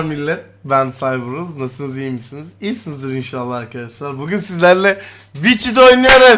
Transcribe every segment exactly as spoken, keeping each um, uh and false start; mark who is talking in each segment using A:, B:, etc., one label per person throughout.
A: Millet, ben Cyberuz. Nasılsınız, iyi misiniz? İyisinizdir inşallah arkadaşlar. Bugün sizlerle Witcher'da oynuyoruz.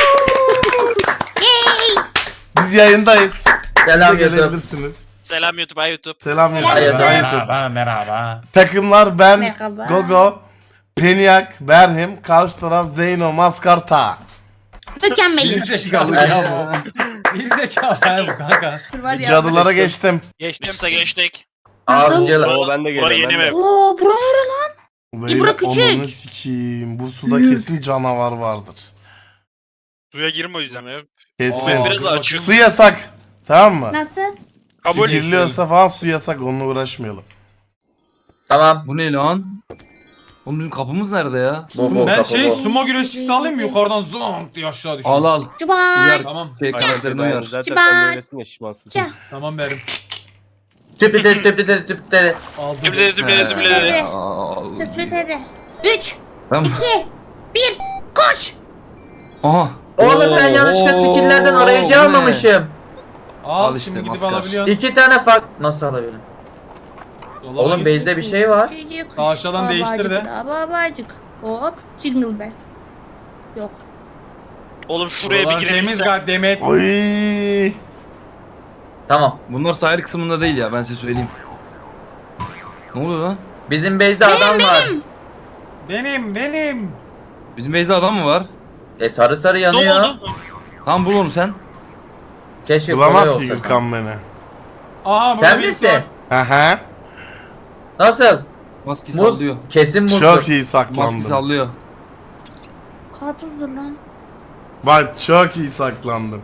A: Biz yayındayız.
B: Selam
A: Siz de
B: YouTube.
A: gelebilirsiniz.
C: Selam YouTube, ay YouTube.
A: Selam YouTube.
B: Hayırdır.
A: Hi YouTube.
D: Merhaba, merhaba.
A: Takımlar ben,
E: Merhaba.
A: Gogo, Peniak, Berhim, karşı taraf Zeyno, Maskarta.
E: Mükemmeliz.
D: Gerizekalı ya bu. Gerizekalı ya bu kanka.
E: Var ya.
A: Cadılara geçtim.
C: Geçtim. Size geçtik.
B: Avcılar.
C: Oo, ben de geliyorum. Yeni mi?
E: Oo bura nere lan?
A: Böyle
E: İbra küçük.
A: onunu sikeyim. Bu suda kesin canavar vardır.
C: Suya girme o yüzden ya.
A: Kesin.
C: Ben biraz açım.
A: Su yasak. Tamam mı?
E: Nasıl?
C: Kabul et.
A: Giriliyorsa falan su yasak, onunla uğraşmayalım.
B: Tamam.
F: Bu ne lan? Oğlum bizim kapımız nerede ya?
B: Bu bu
D: Ben
B: kapı
D: şey
B: bu.
D: sumo güreşçisi alayım mı? Yukarıdan zonk diye aşağı düşüyor.
F: Al al.
E: Cubay.
F: Uyar.
D: Tamam.
F: Şey karakterini uyar.
G: Zaten
E: Cibat.
G: sen öylesin ya şişmansın.
E: Ca.
D: Tamam verim.
B: Tüpü tüpü tüpü tüpü tüpü.
D: Aldım.
C: Düble düble düble.
E: Hadi.
F: Aa,
E: Tüplü hadi. Üç,
F: Ben...
E: iki, bir, koş.
F: Aha.
B: Oğlum ben yanlışlıkla
F: Oo,
B: skill'lerden arayıcı
F: bu ne?
B: almamışım.
D: Al,
F: Al işte,
D: şimdi gidip
F: maskar.
D: alabiliyorsun.
B: İki tane fark nasıl alabilirim?
D: Yola
B: Oğlum
D: git.
B: base'de bir şey var.
E: Çocuk.
D: Sağ aşağıdan değiştir de.
E: Babacık, babacık. Hop. Jingle bells. Yok.
C: Oğlum şuraya bir
D: Buralar temiz
C: girebilsem.
D: gayet Demet.
A: Oy.
B: Tamam.
F: Bunlar sahil kısmında değil ya, ben size söyleyeyim. Ne oluyor lan?
B: Bizim base'de adam var.
D: Benim benim.
F: Bizim base'de adam mı var?
B: E sarı sarı
C: Ne
B: yanıyor.
C: oldu?
F: Tamam bul onu sen.
B: Keşke kolay
A: Bulamaz ki
B: olsa.
A: Gürkan beni.
D: Aha burada
B: Sen
D: birisi
B: misin?
D: var.
A: Aha.
B: Nasıl?
F: Maske
B: Muz.
F: sallıyor.
B: Kesin muzdur.
A: Çok iyi
F: Maske
A: saklandım.
F: sallıyor.
E: Karpuzdur lan.
A: Bak çok iyi saklandım.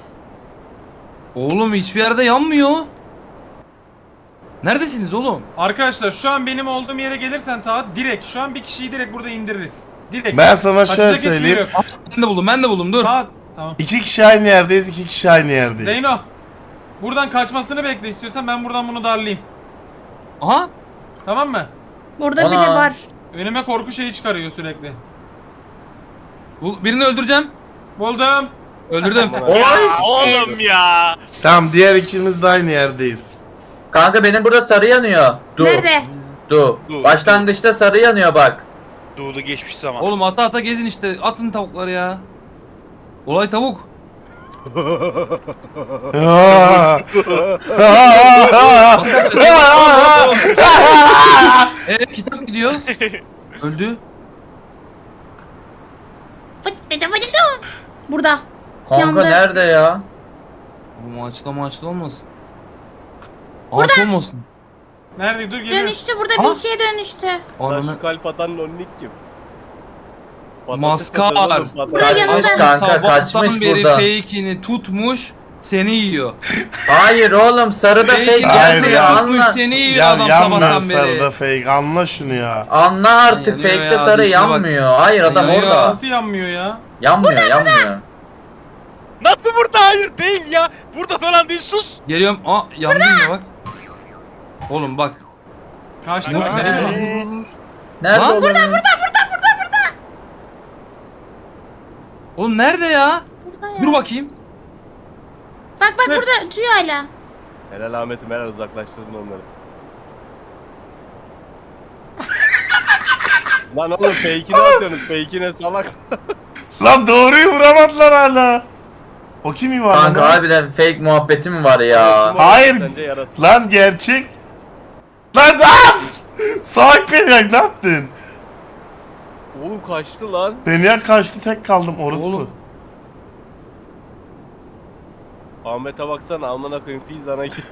F: Oğlum hiçbir yerde yanmıyor. Neredesiniz oğlum?
D: Arkadaşlar şu an benim olduğum yere gelirsen ta direkt şu an bir kişiyi direkt burada indiririz. Direkt.
A: Ben sana şöyle
D: Kaçacak hiçbir yeri
A: söyleyeyim.
D: yok.
F: Ben de buldum, ben de buldum, dur.
D: Ta tamam.
A: İki kişi aynı yerdeyiz, iki kişi aynı yerdeyiz.
D: Zeyno. Buradan kaçmasını bekle istiyorsan ben buradan bunu darlayayım.
F: Aha.
D: Tamam mı?
E: Burada
B: Ana.
E: biri var.
D: Önüme korku şeyi çıkarıyor sürekli.
F: Bu, birini öldüreceğim.
D: Buldum.
F: Öldürdüm.
B: Oy.
C: Ya oğlum ya.
A: Tamam, diğer ikimiz de aynı yerdeyiz.
B: Kanka benim burada sarı yanıyor. Du.
E: Nerede?
B: Du.
C: Du.
B: Başlangıçta sarı yanıyor bak.
C: Doğulu geçmiş zaman.
F: Oğlum ata ata gezin işte. Atın tavukları ya. Olay tavuk. Eee kitap gidiyor. Öldü.
E: Fıt dedi fıt dedi. Burada.
B: Kanka
E: Yandı.
B: nerede ya?
F: Bu maçta maçta olmasın. Ağaç olmasın.
D: Nerede? Dur geliyorum.
E: Dönüştü burada
F: Ha?
E: bir şeye dönüştü.
G: Lan
F: Ananı.
G: şu kalp atan nonnik kim? Patates
F: Maskar.
G: atıyoruz oğlum, patates.
E: Buraya yanında.
B: Kaçmış kanka
F: Sabahtan
B: kaçmış
F: beri
B: buradan.
F: fake'ini tutmuş. Seni yiyor.
B: Hayır oğlum sarıda fake
F: Fake'ini
A: Hayır
B: gelmiyor
A: ya.
F: tutmuş
B: anla.
F: seni yiyor
A: Ya
F: adam
A: yanmıyor
F: sabahtan beri.
A: sarıda fake, anla şunu ya.
B: Anla artık
F: Yanıyor
B: fake'te
F: ya,
B: sarı
F: dişine bak.
B: yanmıyor. Hayır adam
F: Yanıyor.
B: orada.
D: Nasıl yanmıyor ya?
B: Yanmıyor yanmıyor.
C: Nasıl burada? Hayır değil ya. Burada falan değil, sus.
F: Geliyorum. Aa yandım ya bak. Oğlum bak.
D: Kaçtım
F: Nerede?
D: size.
B: Nerede
F: Lan?
B: oğlum?
F: Oğlum nerede ya?
E: Burada ya.
F: Dur bakayım.
E: Bak bak
D: Dur.
E: burada tüy hala.
G: Helal Ahmet'im, helal uzaklaştırdın onları. Lan oğlum fake'ini atıyorsunuz, fake'ine salak.
A: Lan doğruyu vuramadılar hala. O kim yuvarladı?
B: Kanka harbiden fake muhabbeti mi var ya?
A: Hayır.
G: Sence yarat.
A: Lan gerçek. Lan ne yap? Salak Peniak, ne yaptın?
G: Oğlum kaçtı lan.
A: Peniak kaçtı, tek kaldım orospu.
F: Oğlum.
G: Ahmet'e baksana, amına koyayım Fizan'a gitti.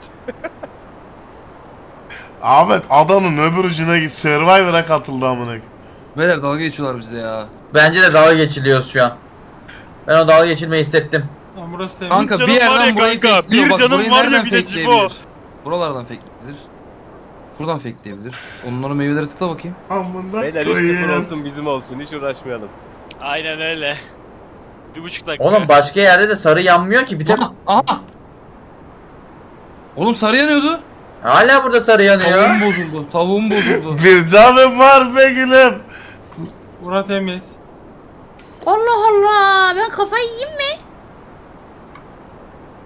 A: Ahmet adanın öbür ucuna git, Survivor'a katıldı amına koyayım.
F: Beyler dalga geçiyorlar bizde ya.
B: Bence de dalga geçiliyoruz şu an. Ben o dalga geçilmeyi hissettim.
D: Lan burası temiz.
F: Kanka
C: canım
F: bir
C: var
F: yerden
C: ya
F: burayı
C: kanka,
F: fakeliyor.
C: bir
F: Bak
C: canım
F: burayı
C: var ya
F: nereden
C: bir de
F: fakeleyebilir? Buralardan fakeleyebilir. Şuradan fakeleyebilir. Onların meyvelere tıkla bakayım.
A: Amına
G: Beyler üç sıfır
A: koyayım.
G: olsun bizim olsun, hiç uğraşmayalım.
C: Aynen öyle. Bir buçuk dakika.
B: Oğlum başka yerde de sarı yanmıyor ki bir tek
F: Aha, aha. Oğlum sarı yanıyordu.
B: hala burada sarı yanıyor.
F: Tavuğum bozuldu. Tavuğum bozuldu.
A: Bir canım var be gülüm.
D: Bura temiz.
E: Allah Allah. Ben kafayı yiyeyim mi?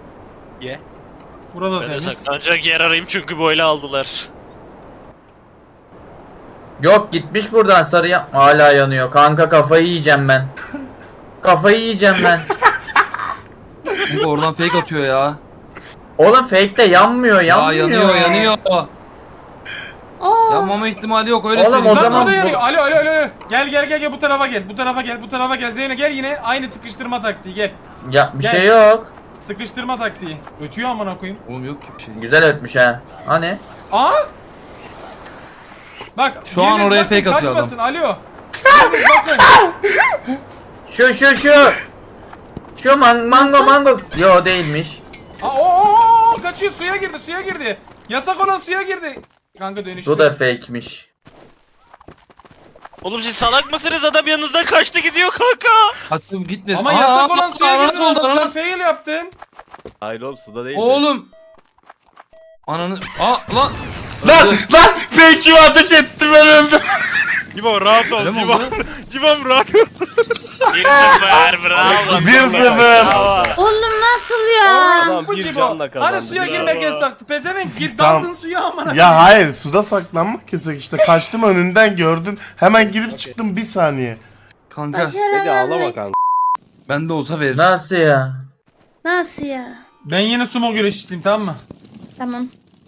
C: Ye.
D: Burada
C: Ben de
D: temiz.
C: saklanacak yer arayayım çünkü böyle aldılar.
B: Yok gitmiş buradan sarıya. Hala yanıyor. Kanka kafayı yiyeceğim ben. Kafayı yiyeceğim ben.
F: Kanka oradan fake atıyor ya.
B: Oğlum fake de yanmıyor
F: Ya
B: yanmıyor.
F: yanıyor yanıyor.
E: Aa,
F: Yanmama ihtimali yok öyle
B: Oğlum,
F: söyleyeyim.
B: o
D: Lan
B: zaman
D: burada
B: bu-
D: yanıyor. Alo alo alo. alo. Gel gel gel gel bu tarafa gel. Bu tarafa gel. Bu tarafa gel. Zeyno gel yine aynı sıkıştırma taktiği gel.
B: Ya bir
D: Gel.
B: şey yok.
D: Sıkıştırma taktiği. Ötüyor amına koyayım.
F: Oğlum yok ki bir şey.
B: Güzel ötmüş ha. Hani?
D: Aa! Bak
F: Şu an
D: biriniz
F: oraya
D: bakın,
F: fake atıyor
D: kaçmasın. Alo. Biriniz bakın.
B: Şu şu şu. Şu man mango mango. Yo değilmiş.
D: Aa, oo, oo, oo, kaçıyor suya girdi suya girdi. Yasak olan suya girdi. Kanka dönüştü.
B: Bu da fake'miş.
C: Oğlum siz salak mısınız? Adam yanınızdan kaçtı gidiyor kanka.
F: Hatta gitmedi.
D: Ama
F: Aa,
D: yasak olan suya
F: ananas
D: girdi.
F: oldu
D: Lan,
F: ananas.
D: sen fail yaptın.
G: Hayır oğlum suda değil.
F: Oğlum. Ananı. Aa lan.
A: Lan
F: Öldü.
A: lan fake'imi ateş etti ben öldüm.
C: Cibo rahat ol
F: Öyle mi
C: Cibo.
F: oldu?
C: Cibo'm rahat ol. bir sıfır bravo.
A: bir sıfır.
C: Bravo.
E: oğlum nasıl ya?
G: Adam
D: Bu
G: bir
D: Cibo.
G: canla kazandı.
D: Hani suya
G: Bravo.
D: girmek yasaktı. Pezevenk gir
A: Tamam.
D: daldın suya amına.
A: Ya hayır suda saklanmak yasak işte. Kaçtım önünden gördün. Hemen girip çıktım bir saniye.
F: Kanka
G: Hadi ağlama
E: Başaramadık.
G: kanka.
F: bende olsa verir.
B: Nasıl ya?
E: Nasıl ya?
D: Ben yine sumo güreşçisiyim tamam mı?
E: Tamam.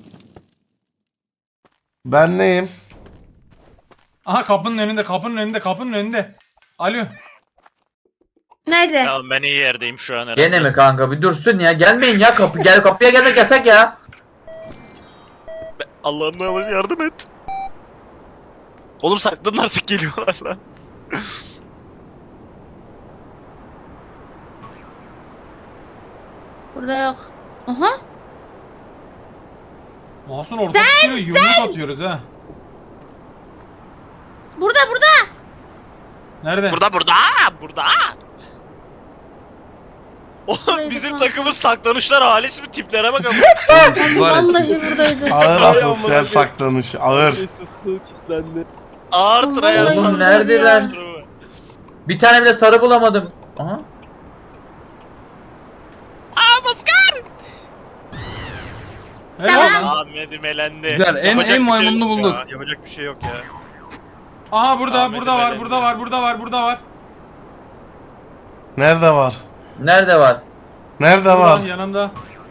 A: Ben neyim?
D: Aha kapının önünde kapının önünde kapının önünde. Alo.
E: Nerede?
C: Tamam ben iyi yerdeyim şu an herhalde.
B: Gene mi kanka? Bir dursun ya. Gelmeyin ya kapı. Gel kapıya gelmek yasak ya.
C: Allah'ım ne olur yardım et. Oğlum saklanın artık geliyorlar lan.
E: Burada yok. Aha.
D: Masum orada sen, yumruk atıyoruz ha.
E: Burada burada.
D: Nerede?
C: Burada burada burada. Oğlum
E: Buradaydı
C: bizim
E: kanka.
C: takımın saklanışlar halisi mi tiplere bak ama.
F: Oğlum siz var ya siz.
E: Vallahi buradaydı.
A: Ağır
G: Ay,
A: asosyal
G: amına
A: saklanış. Ağır.
G: Su su kilitlendi.
C: Ağır
E: Oğlum,
C: tryhard.
E: vallahi
B: Oğlum
E: buradaydı
B: neredeler?
E: ya.
B: Bir tane bile sarı bulamadım. Aha.
C: Aa Maskar.
D: Helal lan.
C: Ahmet'im elendi.
F: Güzel, en-
C: Yapacak
F: en
C: bir şey
F: maymununu
C: yok
F: bulduk.
C: ya, Yapacak bir şey yok ya.
D: Aha burada
C: Ahmet'im
D: burada var
C: elendi.
D: burada var burada var burada var.
A: Nerede var?
B: Nerede var?
A: Nerede
D: Burada,
A: var?
D: yanımda.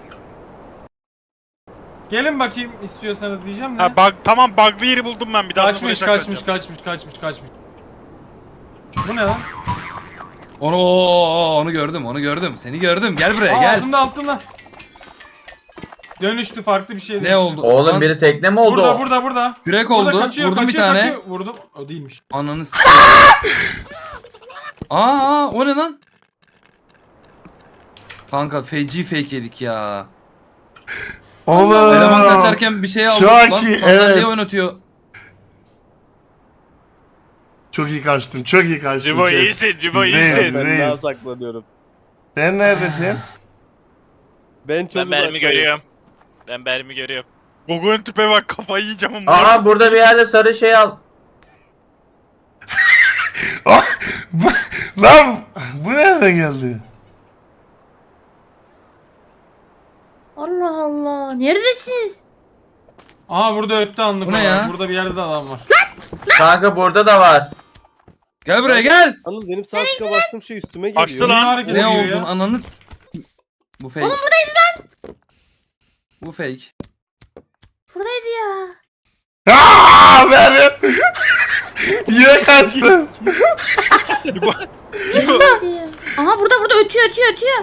D: Gelin bakayım istiyorsanız diyeceğim de.
C: Ha bug, tamam bug'lı yeri buldum ben bir daha.
D: kaçmış kaçmış kaçmış kaçmış kaçmış. Bu ne lan?
F: Onu oo, onu gördüm onu gördüm. Seni gördüm. Gel buraya
D: Aa,
F: gel.
D: altında altında. Dönüştü farklı bir şey.
F: Ne
D: dönüştü.
F: oldu?
B: Oğlum
F: Lan,
B: biri tekne mi oldu?
D: Burada burada burada.
F: Kürek
D: Burada
F: oldu.
D: kaçıyor,
F: Vurdum bir
D: kaçıyor,
F: tane.
D: kaçıyor. Vurdum. O değilmiş.
F: Ananı s- Aa, aa o ne lan? Kanka feci fake yedik ya.
A: Oğlum.
F: Eleman kaçarken bir şey aldı.
A: Çok
F: lan,
A: iyi,
F: sandalyeyi
A: evet.
F: oynatıyor.
A: Çok iyi kaçtım. Çok iyi kaçtım.
C: Cibo
A: çok.
C: iyisin Cibo
A: Bizdeyiz.
C: iyisin.
G: Ben
A: Reis.
G: daha saklanıyorum.
A: Sen neredesin?
G: Ben çok
C: Ben mermi
G: uzaktayım.
C: görüyorum. Ben mermi görüyorum. Gogo'nun tüpe bak kafayı yiyeceğim ama.
B: Aha burada bir yerde sarı şey al.
A: Bu- Lan bu nereden geldi?
E: Allah Allah. Neredesiniz?
D: Aha burada öttü anlık.
F: Bu ne
D: olan.
F: ya?
D: Burada bir yerde de adam var.
B: Kanka burada da var.
F: Gel buraya gel.
G: Yalnız benim sağ tıka bastığım şey üstüme
C: Açtı
G: geliyor.
C: lan.
D: Ne hareket
F: Ne
D: ediyor
F: oldun
D: ya?
F: ananı s- Bu fake.
E: Oğlum buradaydı lan.
F: Bu fake.
E: Buradaydı ya.
A: Aaa Meryem. Yine kaçtım.
E: Buradaydı ya. Aha burada burada ötüyor ötüyor ötüyor.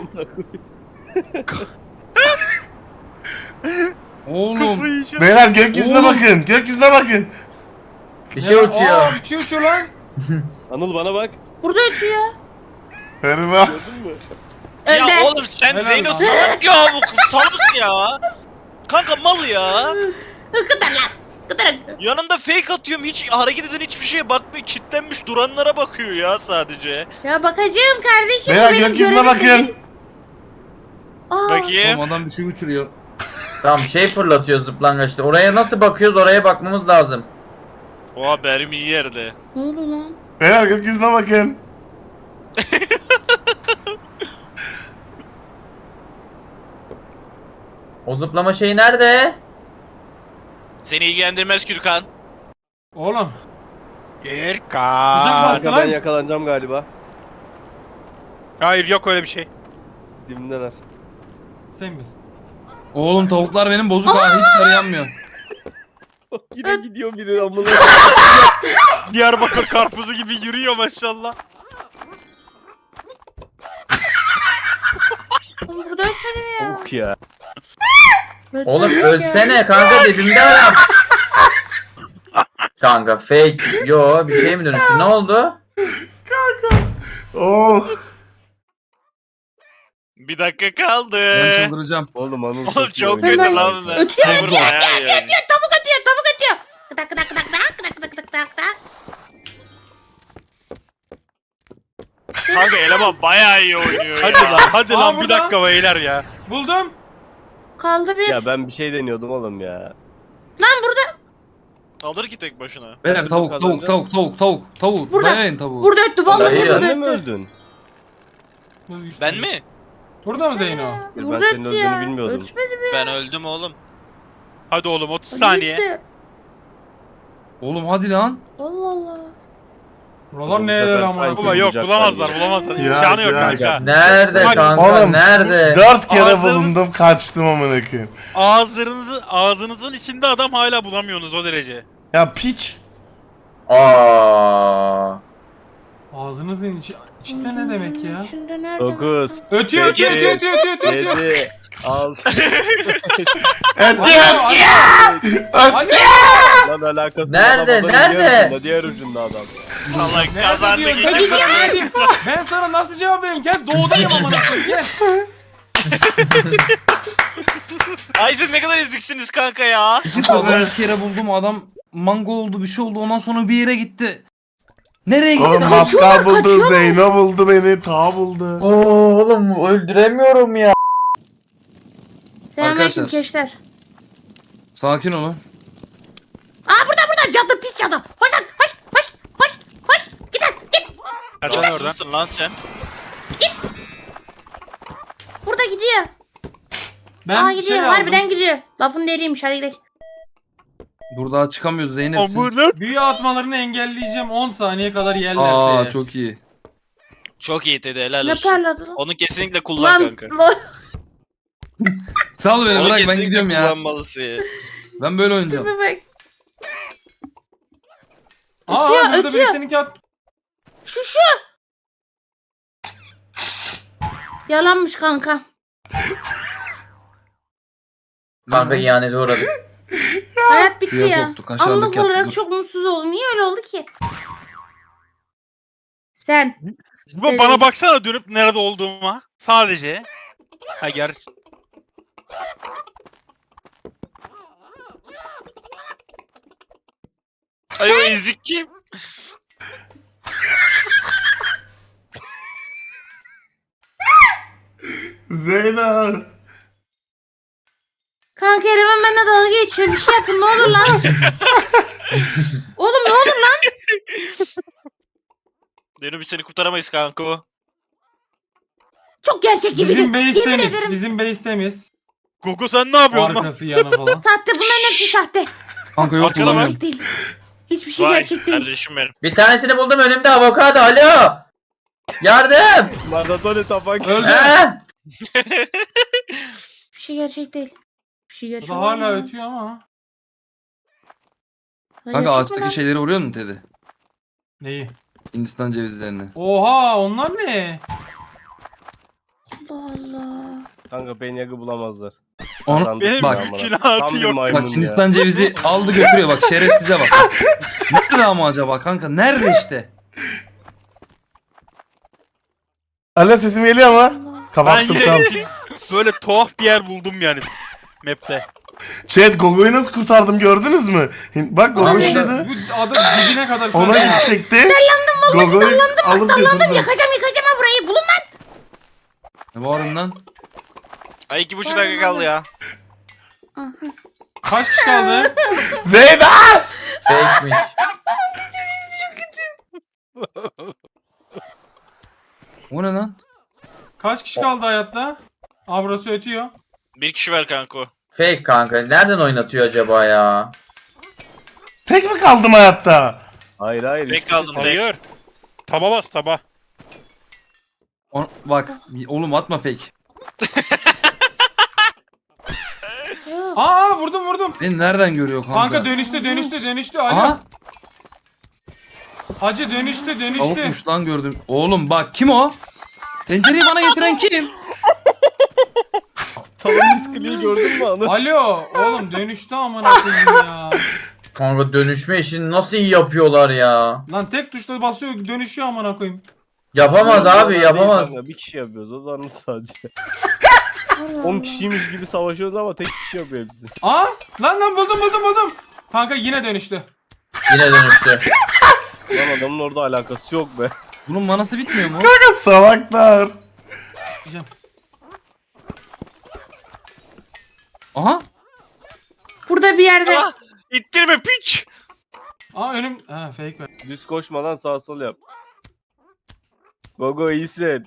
F: Oğlum.
A: Beyler gökyüzüne
F: Oğlum.
A: bakın. Gökyüzüne bakın.
B: Bir şey
D: Ya,
B: uçuyor.
D: Aa, uçuyor uçuyor lan.
G: Anıl bana bak.
E: Burada ötüyor.
A: Herma.
G: Gördün mü?
E: Öldü.
C: Ya oğlum sen
D: Helal
C: Zeyno
D: lan.
C: salak ya bu kız salak ya. Kanka mal ya.
E: Kıdır lan. Kıdır.
C: Yanında fake atıyorum hiç hareket eden hiçbir şeye bakmıyor. Kitlenmiş duranlara bakıyor ya sadece.
E: Ya bakacağım kardeşim. bu
A: Beyler
E: benim
A: gökyüzüne
E: görevim
A: bakın.
E: değil. Aa,
C: Bakayım.
F: Oğlum adam bir şey uçuruyor.
B: Tamam şey fırlatıyor zıplangaçta. Oraya nasıl bakıyoruz? Oraya bakmamız lazım.
C: Oha benim iyi yerde.
E: ne oldu lan?
A: Beyler gökyüzüne bakın.
B: O zıplama şeyi nerede?
C: Seni ilgilendirmez Kürkan.
D: Oğlum Sıcak
C: Erkan.
D: bastı
G: Kanka ben
D: lan.
G: yakalanacağım galiba.
C: Hayır yok öyle bir şey.
G: Dibimdeler.
D: İstemiyorsun.
F: Oğlum tavuklar benim bozuk ha hiç sarı yanmıyor.
G: Yine gidiyor biri amına.
C: Diyarbakır karpuzu gibi yürüyor maşallah.
E: Oğlum burada ölsene ya.
G: Tavuk ya.
B: Oğlum ölsene kanka dibimde adam. Kanka fake. Yo bir şey mi dönüştü? Ne oldu?
A: Oh.
C: Bir dakika kaldı.
F: Ben çıldıracağım.
G: Oğlum Anıl
C: Oğlum
G: iyi
C: çok
G: oynuyor.
C: kötü lan bunlar.
E: Ötüyor,
C: Tavuk
E: ötüyor,
C: bayağı iyi.
E: Tavuk atıyor, tavuk atıyor. Kıdak kıdak kıdak kıdak kıdak kıdak kıdak kıdak.
C: Kanka eleman bayağı iyi oynuyor
H: Hadi
C: ya.
H: lan, hadi
D: Aa,
H: lan bir
D: burada.
H: dakika beyler ya.
D: Buldum.
E: Kaldı bir.
G: Ya ben bir şey deniyordum oğlum ya.
E: Lan burada.
C: Alır ki tek başına.
F: Beyler tavuk tavuk tavuk tavuk tavuk tavuk.
E: Burada.
F: Dayayın tavuğu.
E: Burada öttü. Vallahi
B: Dayı.
E: burada
G: Sen de mi
E: öttü.
G: öldün?
C: Ben mi?
D: Burada mı Zeyno?
G: Ben
E: Burada
G: senin
E: öttü ya.
G: öldüğünü bilmiyordum.
E: Ötmedi mi?
C: Ben öldüm oğlum.
H: Hadi oğlum otuz saniye.
E: Neyse.
F: Oğlum hadi lan.
E: Allah Allah.
D: Buralar
G: Bu
D: neler
G: sefer
D: amına
G: sanki-
H: Baba
D: koyayım.
H: yok
G: Bulacaklar
H: bulamazlar
G: ya.
H: bulamazlar.
A: Ya,
H: İmkanı yok
A: ya.
H: kanka.
B: Nerede
H: Bak,
B: kanka
A: Oğlum
B: nerede?
A: dört kere
H: Ağzını-
A: bulundum kaçtım amına koyayım.
H: Ağzınızı, ağzınızın içinde adam hala bulamıyorsunuz o derece.
A: Ya piç.
B: Aa.
D: Ağzınızın içi, içinde ne demek ya?
E: İçinde nerede?
G: Dokuz.
D: Ötüyor ötüyor
G: Sekiz,
D: ötüyor ötüyor ötüyor ötüyor.
G: Yedi. Altı.
A: Ötüyor.
D: Alo.
G: Lan alakası
B: Nerede,
G: yok. Adamın
B: nerede?
G: Diğer ucunda, diğer ucunda adam.
C: Allah
D: Nerede
C: kazandı
D: diyor?
C: gitti.
D: Ben sana ne diyeyim? Ben sana nasıl cevap vereyim? Gel doğudayım amına koyayım gel.
C: Ay siz ne kadar eziksiniz kanka ya.
F: İki adamı bir kere buldum adam mango oldu bir şey oldu ondan sonra bir yere gitti. Nereye gitti?
A: Oğlum maskar buldu, Zeyno buldu beni, Ta buldu.
B: Oo, oğlum öldüremiyorum ya.
E: Selamünaleyküm
F: Arkadaşlar.
E: keşler.
F: Sakin olun.
E: Aa burada burada cadı pis cadı. Hoş lan hoş hoş hoş hoş. Git lan git.
H: Kaç lan oradan.
C: Nasılsın lan sen?
E: Burada gidiyor.
D: Ben
E: Aa
D: bir
E: gidiyor
D: şey
E: harbiden
D: aldım.
E: gidiyor. Lafın deriymiş hadi gidelim.
F: Dur daha çıkamıyoruz Zeynep'sin.
H: Amına.
D: Büyü atmalarını engelleyeceğim on saniye kadar yerlerse
F: Aa
D: eğer.
F: çok iyi.
C: Çok iyi Teddy helal
E: Ne
C: olsun.
E: parladı lan?
C: Onu kesinlikle kullan
E: Lan
C: kanka.
E: lan.
F: Sal beni
C: Onu
F: bırak ben
C: kesinlikle
F: gidiyorum ya.
C: kullanmalısın.
F: Ben böyle oynayacağım.
E: Tipe bak.
D: Aa
E: Ötüyor,
D: burada
E: ötüyor.
D: birisinin at.
E: Şu şu. Yalanmış kanka.
B: Kanka ihanete uğradık.
E: Hayat bitti
F: Suya
E: ya.
F: soktuk, aşağılık
E: Anlık
F: yaptık,
E: olarak
F: dur.
E: çok mutsuz oldum. Niye öyle oldu ki? Sen.
H: Bu bana baksana dönüp nerede olduğuma. Sadece. Ha ger.
C: Ay o ezik kim?
A: Zeyno.
E: Kanka Eren benimle dalga geçiyor. Bir şey yapın ne olur lan. Oğlum ne olur lan.
C: Dönüp biz seni kurtaramayız kanka.
E: Çok gerçek gibi.
D: Bizim base
E: Yemin
D: temiz.
E: ederim.
D: Bizim base temiz.
H: Goku sen ne yapıyorsun lan?
D: Arkası yanı falan.
E: Sahte bunların hepsi sahte.
F: Kanka yok
H: Arkana
F: bulamıyorum.
E: Gerçek değil. Hiçbir şey
C: Vay
E: gerçek değil.
C: kardeşim benim.
B: Bir tanesini buldum önümde avokado alo. Yardım.
G: Maratonu tapak.
D: Öldü.
B: He?
E: Bir şey gerçek değil. Bir şey
D: Bu
E: gerçek
D: da hala
E: olamaz.
D: ötüyor ama.
E: Lan
F: Kanka
E: gerçek mi lan?
F: ağaçtaki şeyleri vuruyor musun Teddy?
D: Neyi?
F: Hindistan cevizlerini.
D: Oha onlar ne?
E: Allah Allah.
G: Kanka Benyag'ı bulamazlar.
F: Onu
G: Kazandık
H: Benim
F: bak.
G: ya amına.
H: günahı
G: Tam bir
H: yok.
G: maymun
F: Bak
G: ya.
F: Hindistan cevizi aldı götürüyor bak şerefsize bak. Nerede ama acaba kanka? Nerede işte?
A: Alo sesim geliyor ama.
E: Allah.
H: Ben
A: Kapattım tam.
H: yine böyle tuhaf bir yer buldum yani. Map'te.
A: Chat Gogo'yu nasıl kurtardım gördünüz mü? Hin- Bak Gogo
B: Abi,
A: şurada.
D: Bu adı dibine kadar şu
A: Ona
D: an-
A: gidecekti. Gogo'yu alıp
E: Dallandım
A: götürdüm.
E: yakacağım yakacağım ha burayı. Bulun lan.
F: Ne bağırın lan?
C: Ay iki buçuk dakika kaldı ya.
D: Kaç kişi kaldı?
A: Zeyno!
B: Fake'miş.
F: O ne lan?
D: Kaç kişi kaldı hayatta? Aa burası ötüyor.
C: Bir kişi ver kanka.
B: Fake kanka. Nereden oynatıyor acaba ya?
A: Tek mi kaldım hayatta?
G: Hayır hayır.
C: Tek
G: hiçbir şey
C: kaldım, tek.
H: Hayır. Taba bas taba.
F: O- bak oğlum atma fake.
D: Aa vurdum vurdum.
F: Beni nereden görüyor kanka?
D: Kanka dönüştü dönüştü dönüştü. Alo.
F: Aha
D: Hacı dönüştü dönüştü.
F: tavukmuş lan gördüm. Oğlum bak kim o? Tencereyi bana getiren kim?
G: Talon miskliği gördün mü anı?
D: Alo oğlum dönüştü amına koyayım ya.
B: Kanka dönüşme işini nasıl iyi yapıyorlar ya.
D: Lan tek tuşla basıyor dönüşüyor amına koyayım.
B: Yapamaz abi
G: Değil
B: yapamaz.
G: kanka, bir kişi yapıyoruz o zaman sadece. on kişiymiş gibi savaşıyoruz ama tek kişi yapıyor hepsi.
D: Aa lan lan buldum buldum buldum. Kanka yine dönüştü.
B: Yine dönüştü.
G: Lan adamın orada alakası yok be.
F: Bunun manası bitmiyor mu?
A: Kanka salaklar.
D: Diyeceğim.
F: Aha.
E: Burada bir yerde.
C: Ah! İttirme piç.
D: Aa önüm. Ha fake ver.
G: Düz koşmadan sağ sol yap. Gogo iyisin.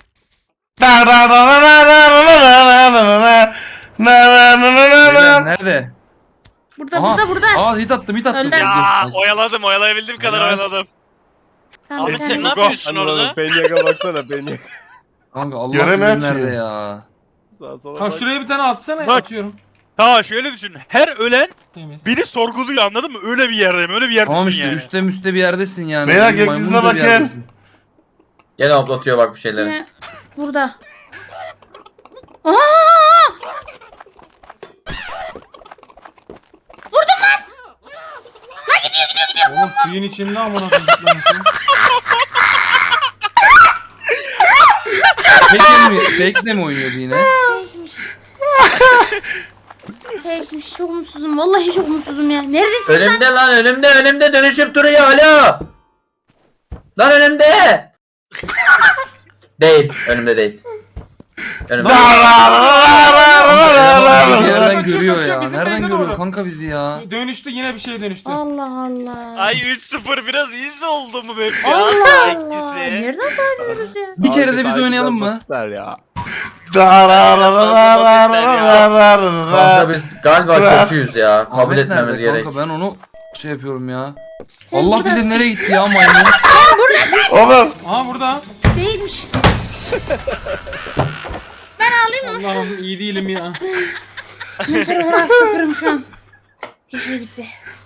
F: Beyler, nerede?
E: Burada
F: Aha.
E: burada burada.
F: Aa hit attım hit attım.
E: Öldü.
C: Ya
F: Nice.
C: oyaladım, oyalayabildiğim kadar
F: Helal.
C: oyaladım.
E: Tamam,
C: Ahmet
E: bir
C: sen ne
E: tane.
C: yapıyorsun
G: Anladım.
C: orada?
G: Penyaga baksana Penyaga.
F: Kanka Allah
A: Göremiyorum
F: bilir
A: ki.
F: nerede ya.
G: Sağ sola
D: Kanka
G: bak.
D: şuraya bir tane atsana.
H: Bak.
D: Atıyorum.
H: Tamam şöyle düşün. Her ölen
D: Temiz.
H: biri sorguluyor anladın mı? Öyle bir yerdeyim. Öyle bir yer
F: Tamam
H: düşün
F: işte
H: yani.
F: üstte müste bir yerdesin yani.
A: Beyler,
F: Maymunca
A: gökyüzüne
F: bir
A: bakın.
F: yerdesin.
B: Gene hoplatıyor bak bir şeyleri.
E: Yine burada. Aa!
D: Oğlum suyun içinde amına koyayım. zıplamışsın.
F: Fake'le mi, fake'le mi oynuyordu yine?
E: Fake'miş. Çok mutsuzum. Vallahi çok mutsuzum ya. Neredesin?
B: Önümde lan önümde önümde dönüşüp duruyor alo. Lan önümde. değil önümde değil. Önümde.
F: Bir yerden
D: Kaçıyor,
F: görüyor
D: kaçıyor,
F: ya.
D: bizim
F: Nereden
D: base'e
F: görüyor
D: doğru.
F: kanka bizi ya?
D: Dönüştü yine bir şeye dönüştü.
E: Allah Allah.
C: Ay üç sıfır biraz iyiyiz mi oldu mu hep ya?
E: Allah
C: Sağ
E: Allah.
C: ikisi.
E: Nereden tanıyoruz ya?
F: Bir kere de biz
G: Abi,
F: oynayalım
G: biraz
F: mı?
G: basitler ya.
B: Kanka biz galiba kötüyüz ya. Kabul
F: Ahmet
B: etmemiz
F: nerede
B: gerek.
F: kanka ben onu şey yapıyorum ya.
E: Sen
F: Allah
E: burada
F: bilir nereye gitti ya maymun.
A: Oğlum.
D: Aha burada.
E: değilmiş. Ben alayım mı?
D: Allah'ım iyi değilim ya.
E: Yeter uğraş sıfırım şu an. Her şey bitti.